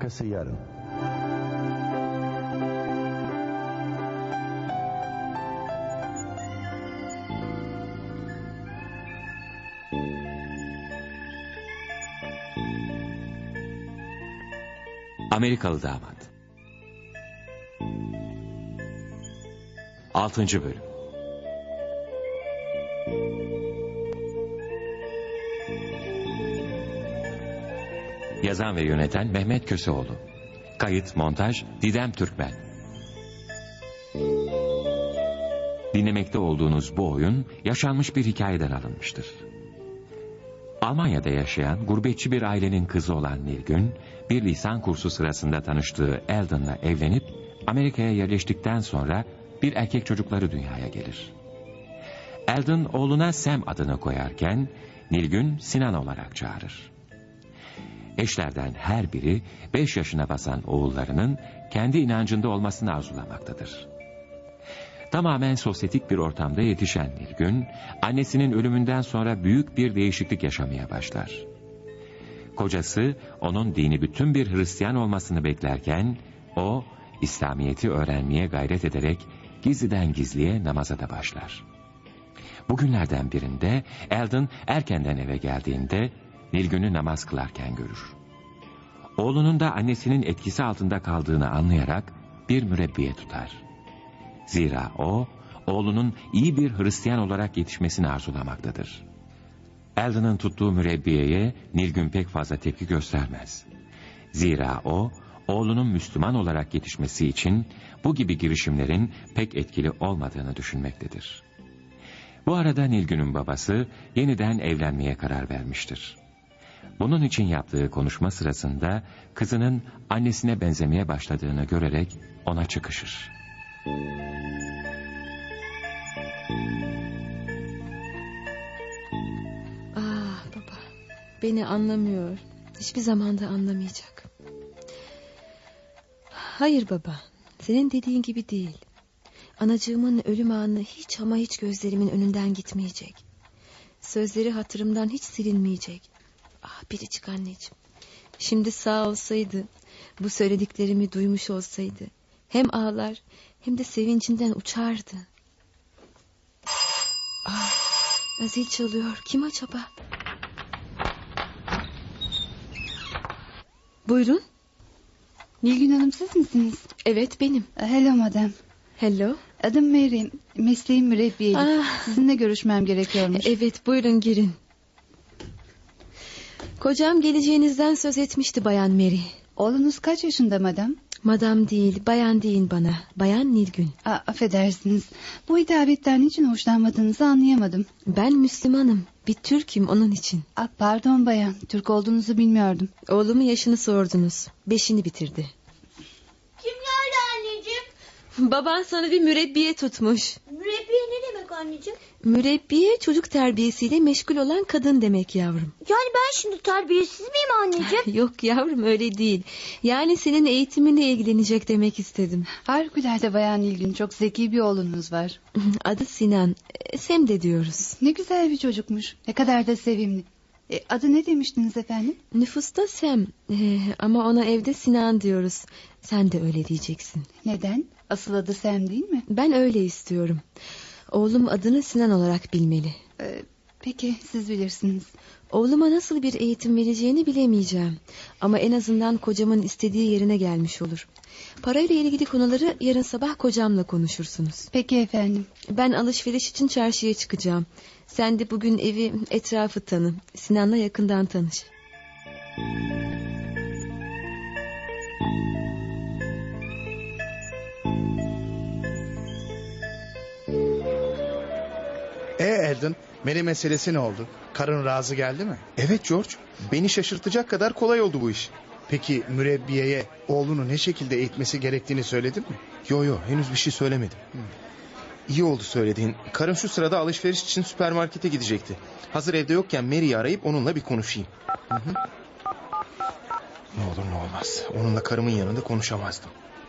Arkası yarın. Amerikalı Damat 6. Bölüm. Yazan ve yöneten Mehmet Köseoğlu. Kayıt, montaj Didem Türkmen. Dinlemekte olduğunuz bu oyun yaşanmış bir hikayeden alınmıştır. Almanya'da yaşayan gurbetçi bir ailenin kızı olan Nilgün, bir lisan kursu sırasında tanıştığı Eldon'la evlenip Amerika'ya yerleştikten sonra bir erkek çocukları dünyaya gelir. Eldon oğluna Sam adını koyarken Nilgün Sinan olarak çağırır. Eşlerden her biri 5 yaşına basan oğullarının kendi inancında olmasını arzulamaktadır. Tamamen sosyetik bir ortamda yetişen Nilgün, annesinin ölümünden sonra büyük bir değişiklik yaşamaya başlar. Kocası, onun dini bütün bir Hristiyan olmasını beklerken, o, İslamiyet'i öğrenmeye gayret ederek gizliden gizliye namaza da başlar. Bugünlerden birinde Eldon erkenden eve geldiğinde Nilgün'ü namaz kılarken görür. Oğlunun da annesinin etkisi altında kaldığını anlayarak bir mürebbiye tutar. Zira o, oğlunun iyi bir Hristiyan olarak yetişmesini arzulamaktadır. Eldon'ın tuttuğu mürebbiyeye Nilgün pek fazla tepki göstermez. Zira o, oğlunun Müslüman olarak yetişmesi için bu gibi girişimlerin pek etkili olmadığını düşünmektedir. Bu arada Nilgün'ün babası yeniden evlenmeye karar vermiştir. Bunun için yaptığı konuşma sırasında kızının annesine benzemeye başladığını görerek ona çıkışır. Baba, beni anlamıyor. Hiçbir zaman da anlamayacak. Hayır baba, senin dediğin gibi değil. Anacığımın ölüm anı hiç ama hiç gözlerimin önünden gitmeyecek. Sözleri hatırımdan hiç silinmeyecek. Biricik anneciğim. Şimdi sağ olsaydı, bu söylediklerimi duymuş olsaydı, hem ağlar hem de sevincinden uçardı. Zil çalıyor. Kim acaba? Buyurun. Nilgün Hanım, siz misiniz? Evet, benim. Hello madam. Hello. Adım Mary. Mesleğim mürebbiyelik. Sizinle görüşmem gerekiyormuş. Evet, buyurun girin. Kocam geleceğinizden söz etmişti Bayan Mary. Oğlunuz kaç yaşında madam? Madam değil, bayan deyin bana. Bayan Nilgün. Affedersiniz. Bu hitabetten niçin hoşlanmadığınızı anlayamadım. Ben Müslümanım. Bir Türk'üm onun için. Pardon bayan. Türk olduğunuzu bilmiyordum. Oğlumun yaşını sordunuz. 5'ini bitirdi. Kim geldi anneciğim? Baban sana bir mürebbiye tutmuş. Mürebbiye ne demek anneciğim? Mürebbiye çocuk terbiyesiyle meşgul olan kadın demek yavrum. Yani ben şimdi terbiyesiz miyim anneciğim? Yok yavrum, öyle değil. Yani senin eğitiminle ilgilenecek demek istedim. Harikulade bayan Nilgün. Çok zeki bir oğlunuz var. Adı Sinan. Sem de diyoruz. Ne güzel bir çocukmuş. Ne kadar da sevimli. Adı ne demiştiniz efendim? Nüfusta Sem. Ama ona evde Sinan diyoruz. Sen de öyle diyeceksin. Neden? Asıl adı Sam değil mi? Ben öyle istiyorum. Oğlum adını Sinan olarak bilmeli. Peki, siz bilirsiniz. Oğluma nasıl bir eğitim vereceğini bilemeyeceğim. Ama en azından kocamın istediği yerine gelmiş olur. Parayla ilgili konuları yarın sabah kocamla konuşursunuz. Peki efendim. Ben alışveriş için çarşıya çıkacağım. Sen de bugün evi, etrafı tanı. Sinan'la yakından tanış. Eldon, Mary meselesi ne oldu? Karın razı geldi mi? Evet George, beni şaşırtacak kadar kolay oldu bu iş. Peki mürebbiyeye oğlunu ne şekilde eğitmesi gerektiğini söyledin mi? Yo, henüz bir şey söylemedim. İyi oldu söylediğin. Karım şu sırada alışveriş için süpermarkete gidecekti. Hazır evde yokken Mary'i arayıp onunla bir konuşayım. Ne olur ne olmaz. Onunla karımın yanında konuşamazdım.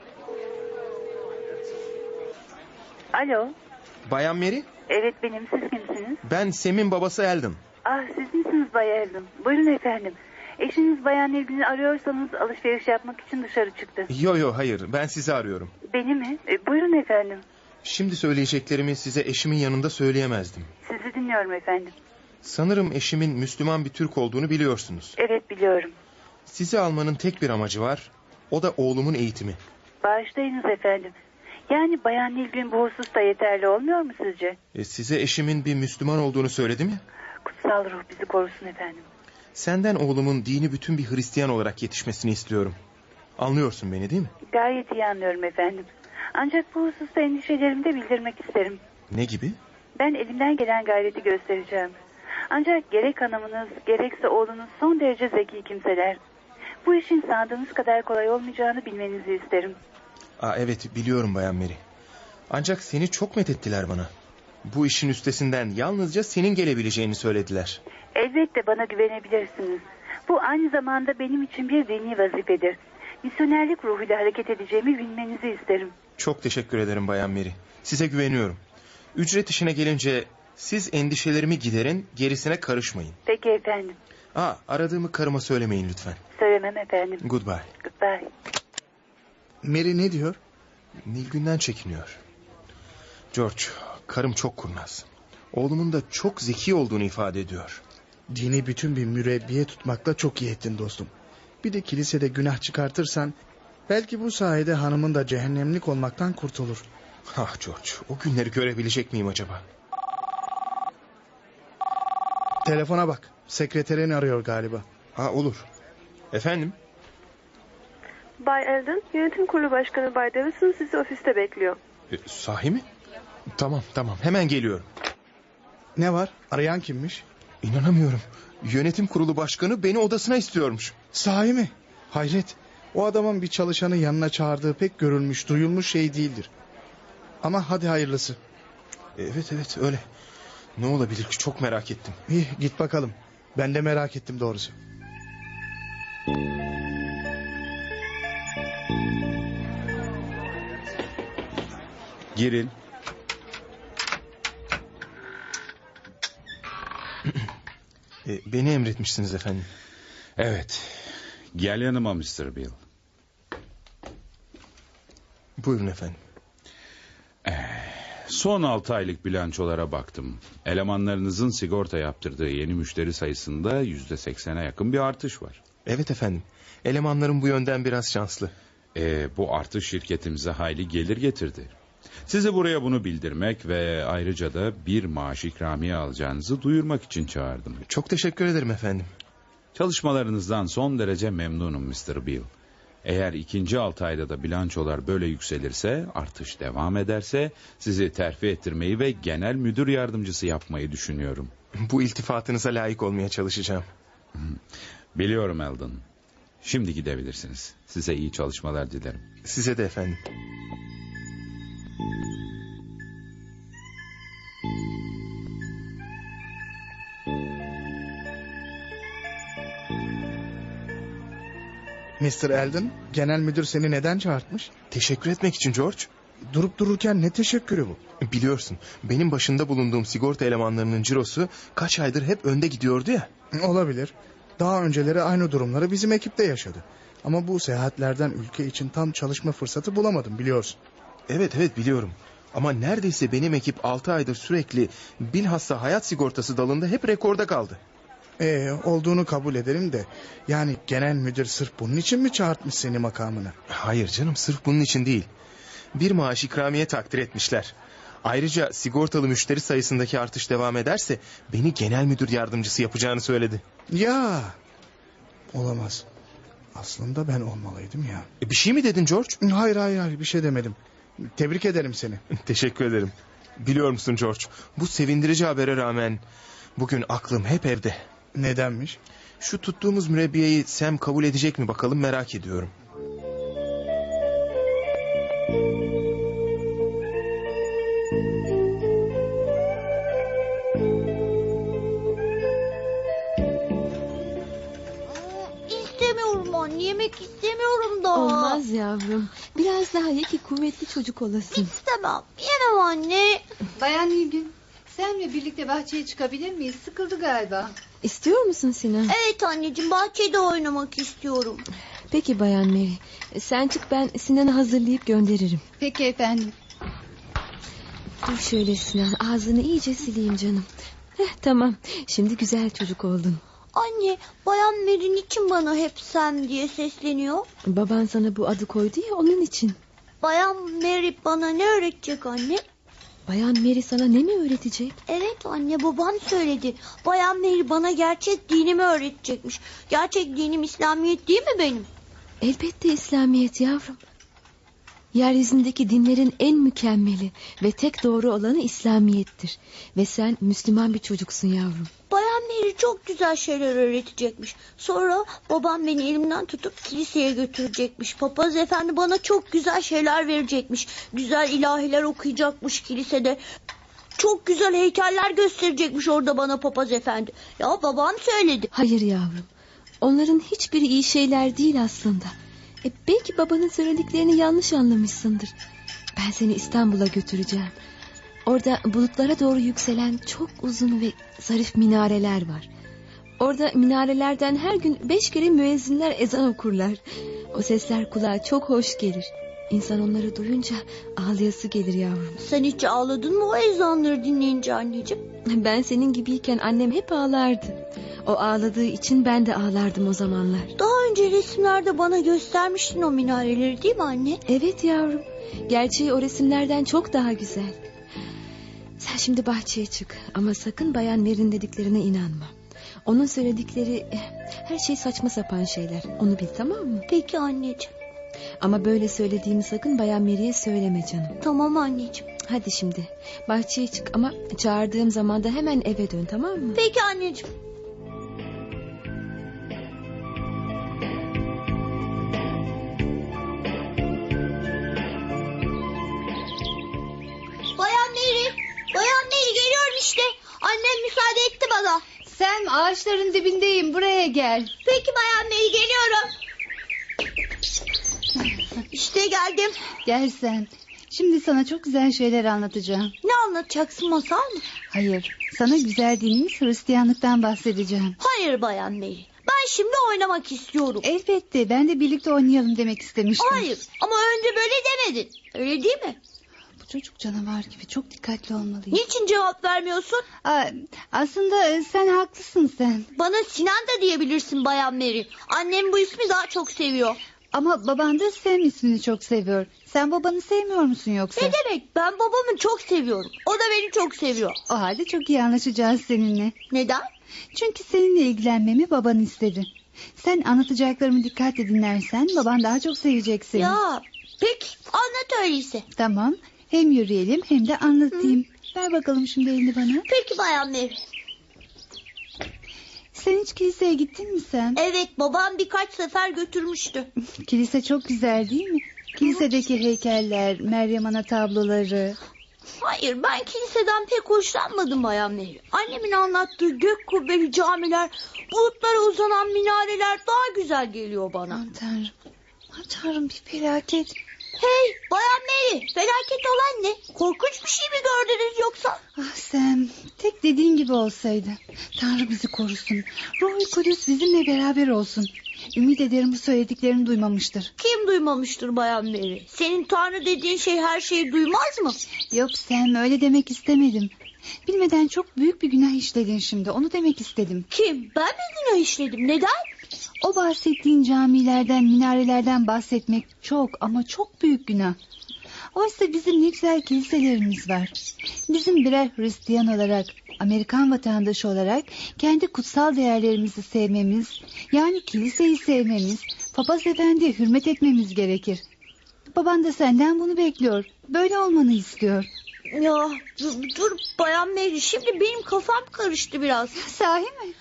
Alo. Bayan Mary? Evet, benim. Siz kimsiniz? Ben Sam'in babası Eldon. Siz misiniz Bay Eldon? Buyurun efendim. Eşiniz Bayan Nilgün'ü arıyorsanız alışveriş yapmak için dışarı çıktı. Yo hayır, ben sizi arıyorum. Beni mi? Buyurun efendim. Şimdi söyleyeceklerimi size eşimin yanında söyleyemezdim. Sizi dinliyorum efendim. Sanırım eşimin Müslüman bir Türk olduğunu biliyorsunuz. Evet, biliyorum. Sizi almanın tek bir amacı var. O da oğlumun eğitimi. Bağışlayınız efendim. Yani Bayan Nilgün bu hususta yeterli olmuyor mu sizce? Size eşimin bir Müslüman olduğunu söyledi mi? Kutsal ruh bizi korusun efendim. Senden oğlumun dini bütün bir Hristiyan olarak yetişmesini istiyorum. Anlıyorsun beni değil mi? Gayet iyi anlıyorum efendim. Ancak bu hususta endişelerimi de bildirmek isterim. Ne gibi? Ben elimden gelen gayreti göstereceğim. Ancak gerek hanımınız gerekse oğlunuz son derece zeki kimseler. Bu işin sandığınız kadar kolay olmayacağını bilmenizi isterim. Evet, biliyorum Bayan Mary. Ancak seni çok methettiler bana. Bu işin üstesinden yalnızca senin gelebileceğini söylediler. Elbette bana güvenebilirsiniz. Bu aynı zamanda benim için bir dini vazifedir. Misyonerlik ruhuyla hareket edeceğimi bilmenizi isterim. Çok teşekkür ederim Bayan Mary. Size güveniyorum. Ücret işine gelince siz endişelerimi giderin, gerisine karışmayın. Peki efendim. Aradığımı karıma söylemeyin lütfen. Söylemem efendim. Goodbye. Goodbye. Mary ne diyor? Nilgün'den çekiniyor. George, karım çok kurnaz. Oğlumun da çok zeki olduğunu ifade ediyor. Dini bütün bir mürebbiye tutmakla çok iyi ettin dostum. Bir de kilisede günah çıkartırsan belki bu sayede hanımın da cehennemlik olmaktan kurtulur. George, o günleri görebilecek miyim acaba? Telefona bak. Sekreterini arıyor galiba. Olur. Efendim? Bay Eldon, yönetim kurulu başkanı Bay Davison sizi ofiste bekliyor. Sahi mi? Tamam, hemen geliyorum. Ne var? Arayan kimmiş? İnanamıyorum. Yönetim kurulu başkanı beni odasına istiyormuş. Sahi mi? Hayret. O adamın bir çalışanı yanına çağırdığı pek görülmüş, duyulmuş şey değildir. Ama hadi hayırlısı. Evet öyle. Ne olabilir ki, çok merak ettim. İyi, git bakalım. Ben de merak ettim doğrusu. Girin. Beni emretmişsiniz efendim. Evet. Gel yanıma Mr. Bill. Buyurun efendim. Son 6 aylık bilançolara baktım. Elemanlarınızın sigorta yaptırdığı yeni müşteri sayısında %80'e yakın bir artış var. Evet efendim. Elemanlarım bu yönden biraz şanslı. Bu artış şirketimize hayli gelir getirdi. Sizi buraya bunu bildirmek ve ayrıca da bir maaş ikramiye alacağınızı duyurmak için çağırdım. Çok teşekkür ederim efendim. Çalışmalarınızdan son derece memnunum Mr. Bill. Eğer ikinci 6 ayda da bilançolar böyle yükselirse, artış devam ederse sizi terfi ettirmeyi ve genel müdür yardımcısı yapmayı düşünüyorum. Bu iltifatınıza layık olmaya çalışacağım. Biliyorum Eldon. Şimdi gidebilirsiniz. Size iyi çalışmalar dilerim. Size de efendim. Mr. Eldon, genel müdür seni neden çağırtmış? Teşekkür etmek için George. Durup dururken ne teşekkürü bu? Biliyorsun, benim başında bulunduğum sigorta elemanlarının cirosu kaç aydır hep önde gidiyordu ya. Olabilir. Daha önceleri aynı durumları bizim ekipte yaşadı. Ama bu seyahatlerden ülke için tam çalışma fırsatı bulamadım, biliyorsun. Evet biliyorum. Ama neredeyse benim ekip 6 aydır sürekli, bilhassa hayat sigortası dalında hep rekorda kaldı. Olduğunu kabul ederim de, yani genel müdür sırf bunun için mi çağırtmış seni makamına? Hayır canım, sırf bunun için değil. Bir maaş ikramiye takdir etmişler. Ayrıca sigortalı müşteri sayısındaki artış devam ederse beni genel müdür yardımcısı yapacağını söyledi. Ya, olamaz. Aslında ben olmalıydım ya. Bir şey mi dedin George? Hayır, bir şey demedim. Tebrik ederim seni. Teşekkür ederim. Biliyor musun George, bu sevindirici habere rağmen bugün aklım hep evde. Nedenmiş? Şu tuttuğumuz mürebbiyeyi Sam kabul edecek mi bakalım, merak ediyorum. İstemiyorum anne, yemek istemiyorum da. Olmaz yavrum. Biraz daha ye ki kuvvetli çocuk olasın. İstemem, yemem anne. Bayan Nilgün, senle birlikte bahçeye çıkabilir miyiz? Sıkıldı galiba. İstiyor musun Sinan? Evet anneciğim, bahçede oynamak istiyorum. Peki Bayan Mary. Sen çık, ben Sinan'ı hazırlayıp gönderirim. Peki efendim. Dur şöyle Sinan, ağzını iyice sileyim canım. Tamam, şimdi güzel çocuk oldun. Anne, Bayan Mary niçin bana hep Sam diye sesleniyor? Baban sana bu adı koydu ya, onun için. Bayan Mary bana ne öğretecek anne? Bayan Mary sana ne mi öğretecek? Evet anne, babam söyledi. Bayan Mary bana gerçek dinimi öğretecekmiş. Gerçek dinim İslamiyet değil mi benim? Elbette İslamiyet yavrum. Yeryüzündeki dinlerin en mükemmeli ve tek doğru olanı İslamiyettir. Ve sen Müslüman bir çocuksun yavrum. Bayan Mary çok güzel şeyler öğretecekmiş. Sonra babam beni elimden tutup kiliseye götürecekmiş. Papaz efendi bana çok güzel şeyler verecekmiş. Güzel ilahiler okuyacakmış kilisede. Çok güzel heykeller gösterecekmiş orada bana papaz efendi. Ya babam söyledi. Hayır yavrum. Onların hiçbiri iyi şeyler değil aslında. Belki babanın söylediklerini yanlış anlamışsındır. Ben seni İstanbul'a götüreceğim. Orada bulutlara doğru yükselen çok uzun ve zarif minareler var. Orada minarelerden her gün 5 kere müezzinler ezan okurlar. O sesler kulağa çok hoş gelir. İnsan onları duyunca ağlayası gelir yavrum. Sen hiç ağladın mı o ezanları dinleyince anneciğim? Ben senin gibiyken annem hep ağlardı. O ağladığı için ben de ağlardım o zamanlar. Daha önce resimlerde bana göstermiştin o minareleri değil mi anne? Evet yavrum. Gerçeği o resimlerden çok daha güzel. Sen şimdi bahçeye çık. Ama sakın Bayan Mary'nin dediklerine inanma. Onun söyledikleri her şey saçma sapan şeyler. Onu bil, tamam mı? Peki anneciğim. Ama böyle söylediğimi sakın Bayan Mary'e söyleme canım. Tamam anneciğim. Hadi şimdi bahçeye çık ama çağırdığım zaman da hemen eve dön, tamam mı? Peki anneciğim. Bayan Mary geliyorum işte. Annem müsaade etti bana. Sam, ağaçların dibindeyim, buraya gel. Peki Bayan Mary, geliyorum. İşte geldim. Gel Sam. Şimdi sana çok güzel şeyler anlatacağım. Ne anlatacaksın, masal mı? Hayır, sana güzel dinimiz Hristiyanlıktan bahsedeceğim. Hayır Bayan Mary. Ben şimdi oynamak istiyorum. Elbette, ben de birlikte oynayalım demek istemiştim. Hayır, ama önce böyle demedin. Öyle değil mi? Bu çocuk canavar gibi, çok dikkatli olmalıyım. Niçin cevap vermiyorsun? Aslında sen haklısın sen. Bana Sinan da diyebilirsin Bayan Mary. Annem bu ismi daha çok seviyor. Ama baban da Sam ismini çok seviyor. Sen babanı sevmiyor musun yoksa? Ne demek? Ben babamı çok seviyorum. O da beni çok seviyor. O halde çok iyi anlaşacağız seninle. Neden? Çünkü seninle ilgilenmemi baban istedi. Sen anlatacaklarımı dikkatle dinlersen baban daha çok sevecek seni. Ya peki, anlat öyleyse. Tamam, hem yürüyelim hem de anlatayım. Ver bakalım şimdi elini bana. Peki Bayan Mary. Sen hiç kiliseye gittin mi sen? Evet, babam birkaç sefer götürmüştü. Kilise çok güzel değil mi? Kilisedeki heykeller, Meryem Ana tabloları. Hayır, ben kiliseden pek hoşlanmadım Bayan Mary. Annemin anlattığı gök kubbeli camiler, bulutlara uzanan minareler daha güzel geliyor bana. Aman Tanrım. Aman Tanrım, bir felaket. Hey Bayan Mary, felaket olan ne? Korkunç bir şey mi gördünüz yoksa? Ah Sam, tek dediğin gibi olsaydı. Tanrı bizi korusun. Ruh-i Kudüs bizimle beraber olsun. Ümit ederim bu söylediklerini duymamıştır. Kim duymamıştır Bayan Mary? Senin Tanrı dediğin şey her şeyi duymaz mı? Yok Sam, öyle demek istemedim. Bilmeden çok büyük bir günah işledin şimdi, onu demek istedim. Kim? Ben mi günah işledim? Neden? O bahsettiğin camilerden, minarelerden bahsetmek çok ama çok büyük günah. Oysa bizim ne güzel kiliselerimiz var. Bizim birer Hristiyan olarak, Amerikan vatandaşı olarak kendi kutsal değerlerimizi sevmemiz, yani kiliseyi sevmemiz, papaz efendiye hürmet etmemiz gerekir. Baban da senden bunu bekliyor. Böyle olmanı istiyor. Ya dur Bayan Mary, şimdi benim kafam karıştı biraz. Sahi mi?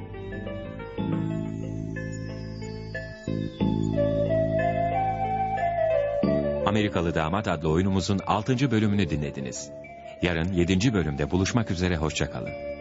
Amerikalı Damat adlı oyunumuzun 6. bölümünü dinlediniz. Yarın 7. bölümde buluşmak üzere, hoşça kalın.